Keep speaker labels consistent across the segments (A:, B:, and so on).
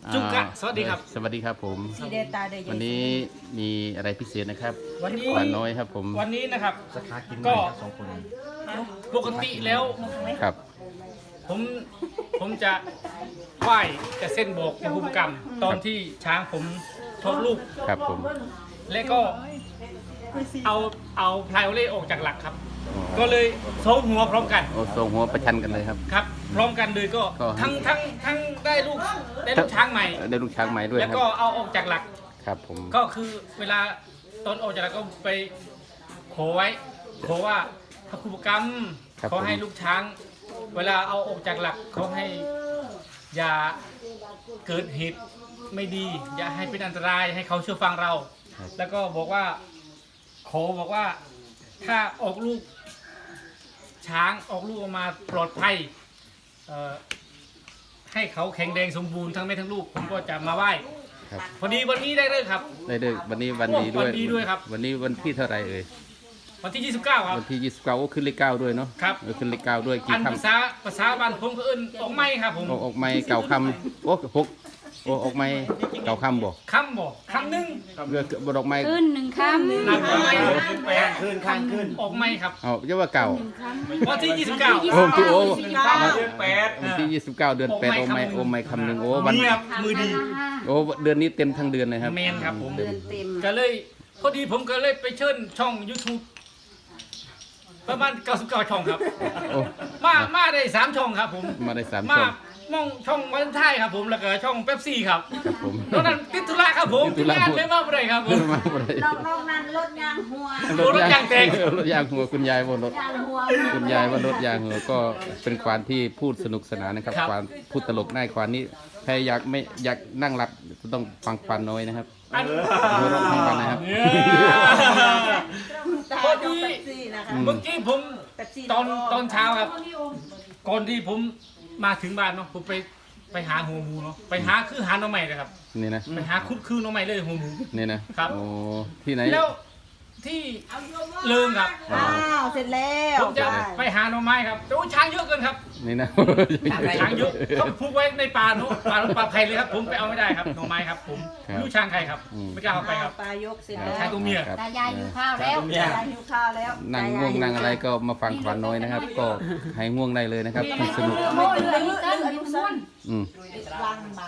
A: จุกะสวัสดีครับ
B: สวัสดีครับผม
C: สีเดตาเดย
B: วันนี้มีอะไรพิเศษนะครับ
A: วันนี้
B: หวานน้อยครับผม
A: วันนี้นะครับ
D: สักพักกิน
A: ก็
D: สองคน
A: ปกติแล้ว
B: ครับ
A: ผมจะไหว้จะเส้นโบกภูมิกรรม ตอนที่ช้างผมทดลูก
B: ครับผม
A: และก็เอาพลายโอเล่ออกจากหลักครับ
B: อ๋อ
A: ก็เลยโซมหัวพร้อมกัน
B: โอ้ทรงหัวประชันกันเลยครับ
A: ครับ พร้อมกันเลยก็
B: ก็
A: ทั้งได้ลูกช้างใหม่
B: ได้ลูกช้างใหม่ด้วย
A: แล้ว
B: ครับ
A: ก็เอาออกจากหลัก
B: ครับผม
A: ก็คือเวลาตอนออกจากหลักก็ไปขอไว้ขอว่าพระครูปกรรมขอให้ลูกช้าง เวลาเอาออกจากหลักเขาให้อย่าเกิดเหตุไม่ดี อย่าให้เป็นอันตรายให้เขาเชื่อฟังเรา แล้วก็บอกว่าขอบอกว่าถ้าออกลูกช้างออกลูกออกมาปลอดภัยให้เขาแข็งแรงสมบูรณ์ทั้งแม่ทั้งลูกผมก็จะมาไหว้
B: ครับ
A: พอดีวันนี้ได้เลิกครับ
B: ได้ด้วยวันนี้วันดีด้วย
A: วันดีด้วยครับ
B: วันนี้วันที่เท่าไหร่เอ่ย
A: วันที่ 29 ครับ
B: วันที่29โอ้ขึ้นเลข9ด้วยเนาะ
A: ครับ
B: เออขึ้นเลข9ด้วยกี่
A: อัน
B: ค
A: ภาษาบ้านผมก็เอิ้นออกไม้ครับผม
B: ำออกไม้เก่าคำโอ้หกโอ้ออกไม้เก่าคำบ่
A: คำบอกคำหนึ่ง
B: เรือดอกไม้
C: ขึ้นหนึ่งคำ
A: นับออกไม้
D: ข้างขึ้นข้างขึ้น
A: ออกไม้ครับ
B: เอาเรียกว่าเก่า
A: วันที่ 29
B: โอ้ที่โอ้
D: เดือนแปด
B: วันที่29 เดือน8โอ้ไม้โอ้ไม้คำหนึ่งโอ้วัน
A: นี่ครับมือดี
B: โอ้เดือนนี้เต็มทั้งเดือนเลยครับ
A: เมนครับผม
C: เดือนเต็ม
A: ก็เลยพอดีผมก็เลยไปเชิญช่อง YouTube ประมาณ99ช่องครับ
B: โอ้
A: มาได้3ช่องครับผม
B: มาได้3
A: มา
B: ช่อง
A: มองช่องวันไทยครับผมแล้วก็ช่องเป๊ปซี่ครับ
B: ครับผม
A: ตอนนั้นติดธุระครับผม
B: ติดธุระ
A: งานไม่มาบ่ได้ครับผม
B: มาบ่ได้
C: นอกนั้นรถยางหัว
A: รถยางแตก
B: รถยางหัวคุณยายบนรถ
C: ยางหัว
B: คุณยายว่ารถยางหัวก็เป็นควานที่พูดสนุกสนานนะครับ
A: ครับ
B: ควานพูดตลกได้ควานนี้ใครอยากไม่อยากนั่งหลับต้องฟังควานน้อยนะครับ
A: อัน
B: หัวเราะทั้งวันนะครับ
A: เนี่ยพอดี
C: นะคะ
A: เมื่อกี้ผมตอนเช้าครับ ก่อนที่ผมมาถึงบ้านเนาะผมไปหาหัวหมูเนาะไปหาคือหาหน่อไม้เลยครับ
B: นี่นะ
A: ไปหาคุดคือหน่อไม้เลยหัวหมู
B: นี่นะครับ โอ้ที่ไหน
A: แล้วที่เลิงครับ
C: อ้าวเสร็จแล้ว
A: ผมจะไปหาหน่อไม้ครับแต่ว่าช้างเยอะเกินครับ
B: นี่นะ
A: ช้างเยอะเขาผูกไว้ในป่าเนาะป่าไผ่เลยครับ ผมไปเอาไม่ได้ครับหน่อไม้ครับ ผมไม่รู้ช้างใครครับไม่กล้าเอาไปครับ
C: ปลายกเสร็จแล้ว
A: ช้างตัวเมีย
B: ครับ
C: ตายายหิวข้าวแล้วตายายหิวข้าวแล้ว
B: นั่งง่วงนั่งอะไรก็มาฟังควานน้อยนะครับ ก็ให้ง่วงได้เลยนะครับพูดสนุก
C: โอ้ยอายุสั้นอายุสั้น
B: อืม
C: วางบาน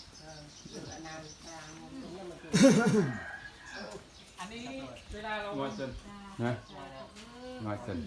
A: อันนี้เวลาเรา
B: นะน้อยเกิน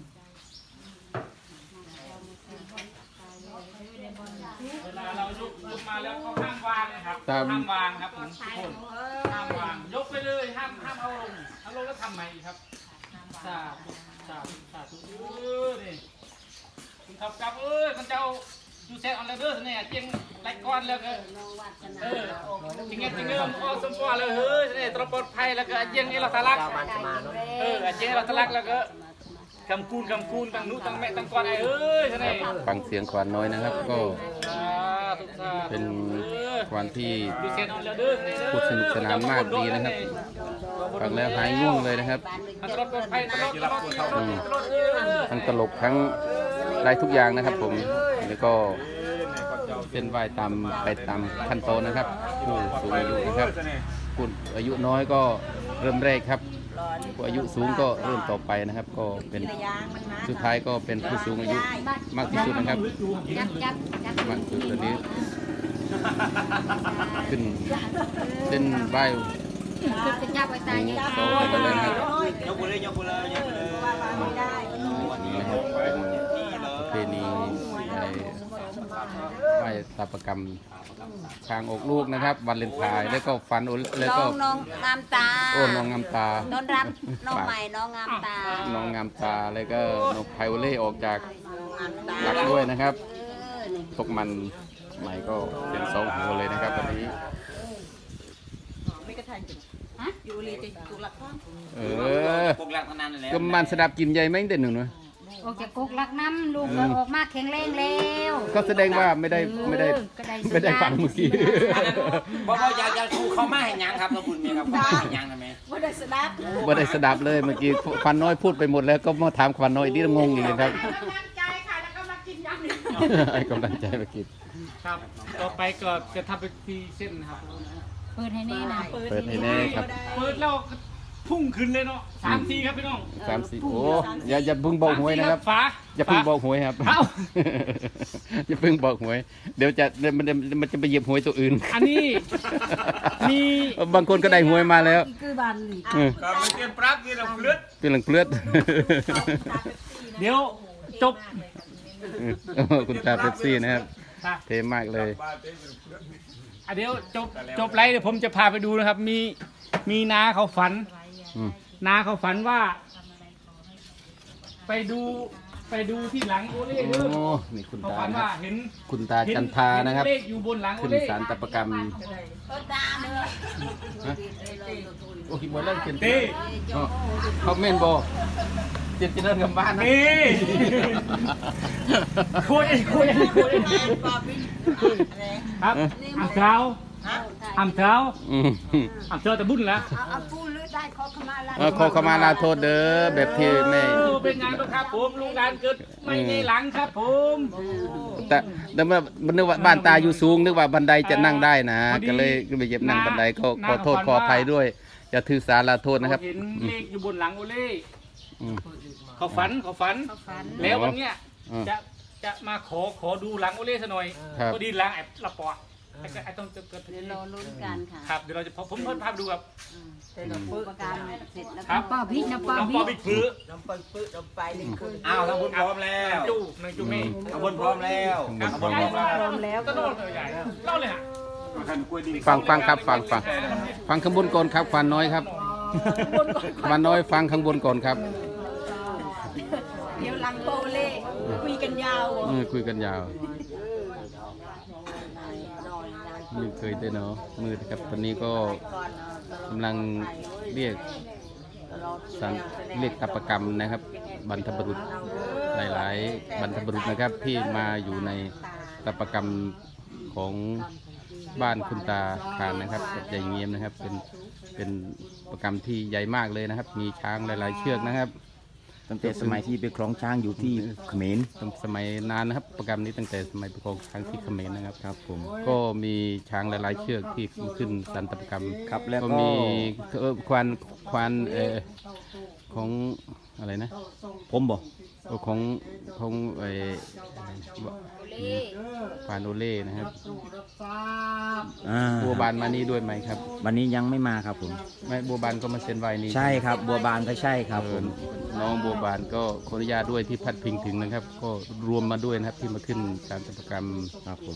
A: เวลาเรายกมาแล้วเขาห้ามวางนะครับห้ามวางครับผมทุกคนห้ามวางยกไปเลยห้ามเอาลงแล้วทำใหม่อีกครับสาธุสาธุนี่คุณขับกลับมันจะเอาดูเซตออนไลน์เดอร์เนี่ยเจียงไล่ก้อนแล้วก็จริงจริงมันก็สมบูรณ์เลยเนี่ยตรปลอดภัยแล้วก็เจียงนี่เราทะลักเจียงเราทะลักแล้วก็กำคูนตั้งนู้ตั้งแม่ตั้งก้อนไอ้เนี่ย
B: ฟังเสียงควานน้อยนะครับ ก็เป็นควานที่
A: ดูเซตออนไลน์เดอร์
B: พูดสนุกสนานมากดีนะครับ ฟังแล้วหายง่วงเลยนะครับ
A: ตลอดปลอดภัยตลอด
B: ทั้งตลกทั้งได้ทุกอย่างนะครับผมแล้วก็เส้นไหวตามไปตามขั้นตอนนะครับ ผู้สูงอายุนะครับผู้อายุน้อยก็เริ่มแรกครับผู้อายุสูงก็เริ่มต่อไปนะครับ ก็เป็นสุดท้ายก็เป็นผู้สูงอายุมากที่สุดนะครับ
C: ยักยักยัก
B: มากที่สุดตอนนี้ขึ้นเส้นไหว
C: จะจับไปตายยัก
B: โตไปเลยนะครับ
D: ยกมือเลยยกมือเลยยกมือเลย
C: ไม่ได้
B: วันนี้นะครับเป็นประเพณีไหว้ตาประกรรมช้างอกลูกนะครับ วันเลนไทน์แล้วก็ฟันแล้วก็
C: น้องงามตา
B: โอ้น้องงามตา
C: ต้อนรับน้องใหม่น้องงามตา
B: น้องงามตาแล้วก็น้องไพโอเล่ออกจากหลักด้วยนะครับตกมันใหม่ก็เป็นสองหัวเลยนะครับวันนี้
C: ไม่กระทันอยู่รีจะจุกหลักข้าง
B: เออ
D: พวกหลักพนันนั่นแหละ
B: ก็มันสดับกินใหญ่ไหมเด่นหนึ่งเนอะ
C: ออกจากกุกลักน้ำลูกออกมาแข็งแรงแล้ว
B: ก็แสดงว่าไม่ได้ฟังเมื่อกี้
D: บอกว่าอยากดูเขามาให้ยังครับขอบคุณเมียครับเขามาให้ยังนะแม่
C: ว่าได้สนับ
B: ว่าได้สดับเลยเมื่อกี้ฟันน้อยพูดไปหมดแล้วก็มาถามฟันน้อยนี่งงอีกเลยครับ
C: กำลังใจค่ะแล้วก็มากินยำนี่
B: ให้กำลังใจมากิน
A: ครับ ต่อไปก็จะทำเป็นทีเส้นครับ
E: เปิดให้แน่นะ
B: เปิดให้แน่ครับ
A: เปิดแล้วก็พุ่งขึ้นเลยเนาะ3 ทีครับพี่น้อง
B: 3 4โอ้อย่าเพิ่งบอกหวยนะครับ
A: ฝา
B: อย่าเพิ่งบอกหวยครับ
A: เอ้า
B: อย่าเพิ่งบอกหวย เดี๋ยวมันจะไปเหยียบหวยตัวอื่น
A: อันนี้มี
B: บางคนก็ได้หวยมาแล้ว
C: คือบานหลี
D: ก็ไม่เตรียมปรับที่เราเลือด
B: เป็นหลังเปลือด
A: เดี๋ยวจบ
B: คุณตาเป๊ปซี่นะครับ
A: ครับ
B: เทมากเลย
A: เดี๋ยวจบไลฟ์เดี๋ยวผมจะพาไปดูนะครับ มีน้าเขาฝัน
B: อืม
A: น้าเขาฝันว่า ไปดูที่หลังโอเล่เด้อ
B: โอ้นี่คุณ
A: เขา
B: ตา
A: ฝัน
B: นะค
A: ว่า
B: รับ
A: เห็น
B: คุณตาจันทานะครับ
A: เห็เลขอยู่บนหลังโอ
B: ขึ้น
A: เล่
B: ศาลตะประกรรมโอ้ยหมดแล้วเขียน
A: เต้
B: อ๋อเขาเมนโบเจ็ดจะเดินกลับบ้านนะ
A: นี่คุยครับอ่ำเช้าอ่ำเช้า
B: อืม
A: อ่ำเช้าแต่บุญแล้ว
C: เอาปูหรือได้ขอขมาลา
B: ขอขมาลาโทษเด้อแบบที่ไม่
A: เป็นงานครับผมลูกหลานเกิดไม่ในหลังครับผม
B: แต่เมื่อมันนึกว่าบ้านตาอยู่สูงนึกว่าบันไดจะนั่งได้นะ ก็เลยไปเหยียบนั่งบันไดก็ขอโทษขออภัยด้วยอย่าถือสาลาโทษนะครับ
A: เห็นเลขอยู่บนหลังโอเล่
B: อืม
A: เขาฝัน แล้ววันเนี้ย
B: อืม
A: จะมาขอดูหลังโอเล่ซะหน่อย
B: ครับ
A: ก็ดีหลังแอบละปอดไอ้ต้องเกิด
E: เดี๋ยวรอลุ้นกันค่ะ
A: ครับเดี๋ยวเราจะผมเพิ่มภาพดูครับ
E: ประกันเสร็จแล้ว
A: ครั
E: ก็
A: บ
E: ป้าพี่นะป้า
A: น้องป
E: พี่
A: อบิ๊กฟื้อ
D: อ้าวทางบนพร้อมแล้ว
A: จูนางจูเม่
D: ทางบนพร้อมแล้ว
B: ข้างบน
D: ทางบนพร้อมแล้ว
C: พร้อมแล้ว
A: ก็โดนเลยใหญ่เล่าเลยฮะ
B: ฟังครับฟังข้างบนก่อนครับฟันน้อยครับฟันน้อยฟังข้างบนก่อนครับ
C: เดี๋ยวหลังโปเล่คุยกันยาว
B: คุยกันยาวไม่เคยได้เนาะมืดครับตอนนี้ก็กำลังเรียกเรียกตปกรรมนะครับบรรพบุรุษหลายๆบรรพบุรุษนะครับที่มาอยู่ในตปกรรมของบ้านคุณตาคานนะครับกับยายเงียมนะครับเป็นประกรรมที่ใหญ่มากเลยนะครับ มีช้างหลาย ๆ เชือกนะครับ
D: ตั้งแต่สมัยที่ไปคล้องช้างอยู่ที่เขมร
B: ตั้งสมัยนานนะครับประกรรมนี้ตั้งแต่สมัยประกองช้างที่เขมรนะครับ
D: ครับผม
B: ก็มีช้างหลายๆเชือกที่ขึ้นสันตปกรรม
D: ครับแล้วก็
B: มีควานของอะไรนะ
D: ผมบอก
B: ของควานโอเล่นะครับบัวบานมานี่ด้วยไหมครับ
D: วันนี้ยังไม่มาครับผม
B: ไม่บัวบานก็มาเซ็นไว้นี่
D: ใช่ครับบัวบานก็ใช่ครับผม
B: น้องบัวบานก็ขออนุญาตด้วยที่พัดพิงถึงนะครับ ก็รวมมาด้วยนะครับที่มาขึ้นสารตปกรรม
D: ครับผม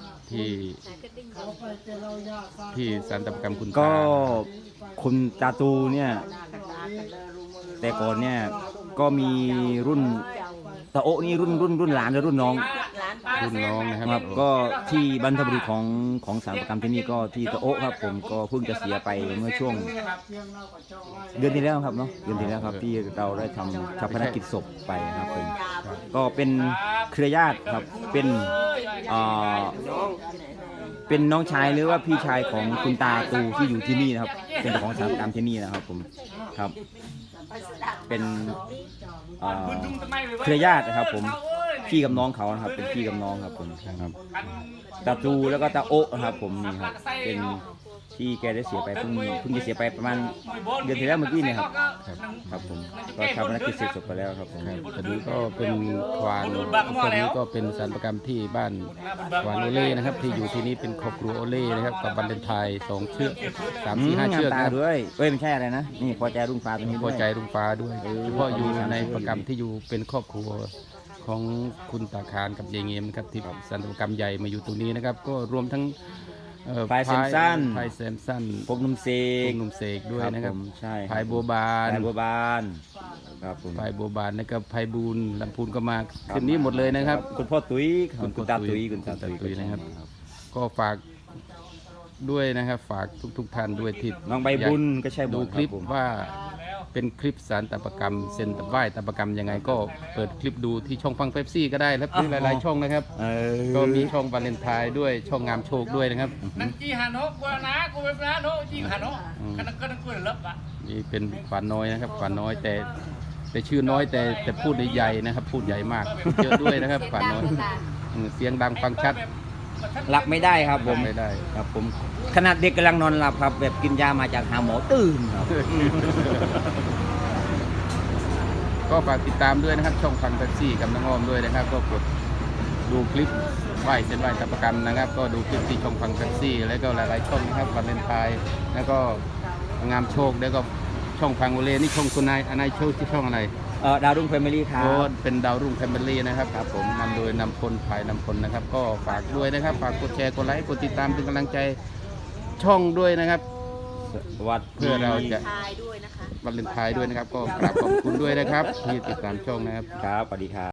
B: ที่สารตปกรรมคุณ
D: ก็
B: ตา
D: คุณตาตูเนี่ย แต่ก่อนเนี่ยก็มีรุ่นตาโอะนี่รุ่นหลานหรือรุ่นน้อง
B: รุ่นน้องนะครับ
D: ครับก็ที่บรรพบุรุษของสารประกรรมที่นี่ก็ที่ตาโอะครับผมก็เพิ่งจะเสียไปเมื่อช่วงเดือนที่แล้วครับเนาะเดือนที่แล้วครับที่เราได้ทำชาปนกิจศพไปครับผมก็เป็นเครือญาติครับเป็นน้องชายหรือว่าพี่ชายของคุณตาตูที่อยู่ที่นี่นะครับเป็นเจ้าของสารประกรรมที่นี่นะครับผมครับเป็นเครือญาตินะครับผมพี่กับน้องเขานะครับเป็นพี่กับน้องครับผมครับตาตูแล้วก็ตาโอะนะครับผมนี่ครับเป็นที่แกได้เสียไปเพิ่งจะเสียไปประมาณเดือนที่แล้วเมื่อกี้เนี่ยครับครับผมก็ชาปนกิจเสร็จจบไปแล้วครับผม
B: ตอนนี้ก็เป็นควานคนนี้ก็เป็นสารประกรรมที่บ้านควานโอเล่นะครับ ที่อยู่ที่นี่เป็นครอบครัวโอเล่นะครับกับบันเลนไทย2 เชือก3 4 5 เชือก
D: ตา
B: นะครับ
D: ด้วยไม่ใช่อะไรนะนี่พอใจรุ่งฟ้าตรงนี้
B: พ
D: ด้
B: อ
D: วย
B: ใจรุ่งฟ้าด้วยเฉพาะอยู่ในประกรรมที่อยู่เป็นครอบครัวของคุณตาคารกับยายเงียมนะครับที่สารประกรรมใหญ่มาอยู่ตรงนี้นะครับ ก็รวมทั้ง
D: พายแซมสัน
B: พายแซมสัน
D: พบนุ่มเสก
B: หนุ่มเสกด้วยนะครับ
D: ผมใช่
B: พายบัวบาน
D: พายบัวบานครับผม
B: พายบัวบานนะครับพายบูนลำพูนก็มาคืนนี้หมดเลยนะครับ
D: คุณพ่อตุ้ยคุณตาตุ้ยคุณตา
B: ตุ้
D: ตุ้
B: ย
D: ย
B: นะครับ ก็ฝากด้วยนะครับ ฝากทุกท่านด้วยที่
D: น้องใบบุญก็ใช่หม
B: ดู
D: ด
B: คลิป
D: รับผม
B: ว่าเป็นคลิปสารตปกรรมเซ็นตไหว้ตปกรรมยังไงก็เปิดคลิปดูที่ช่องฟังเฟปซี่ก็ได้แล้วหลายๆช่องนะครับ ก็มีช่องวาเลนไทน์ด้วยช่องงามโชคด้วยนะครับ
A: นังจีฮาโนะกูนะกูเป็นนะโนะจีฮาโนะกันก็นังกูเลิฟอ่ะ
B: นี่เป็นขวานน้อยนะครับขวานน้อยแต่ชื่อน้อยแต่พูดใหญ่นะครับ พูดใหญ่มากพูดเยอะด้วยนะครับขวานน้อยเสียงดังฟังชัด
D: หลับไม่ได้ครับผม
B: ไม่ได้
D: ครับผมขนาดเด็กกำลังนอนหลับครับแบบกินยามาจากหาหมอตื่นครับ
B: ก็ฝากติดตามด้วยนะครับ ช่องฟังแท็กซี่กับน้องอ้อมด้วยนะครับ ก็กดดูคลิปไหว้เส้นไหว้ตะประกันนะครับ ก็ดูคลิปที่ช่องฟังแท็กซี่ แล้วก็หลายๆช่องนะครับวาเลนไทน์แล้วก็งามโชคแล้วก็ช่องฟังโอเลนี่ช่องคุณนายโชคที่ช่องอะไร
D: ดาวรุ่งแฟมิลี่ครับ
B: โอ้เป็นดาวรุ่งแฟมิลี่นะครับครับผมนำโดยนำพลภายนำพลนะครับ ก็ฝากด้วยนะครับ ฝากกดแชร์กดไลค์กดติดตามเป็นกำลังใจช่องด้วยนะครับ
D: วัด
B: เพื่อเราจะ
C: ทายด้วยนะคะ
B: วาเลนไทน์ด้วยนะครับ ก็กราบขอบคุณด้วยนะครับที่ติดตามช่องนะครับ
D: ครับสวัสดีครับ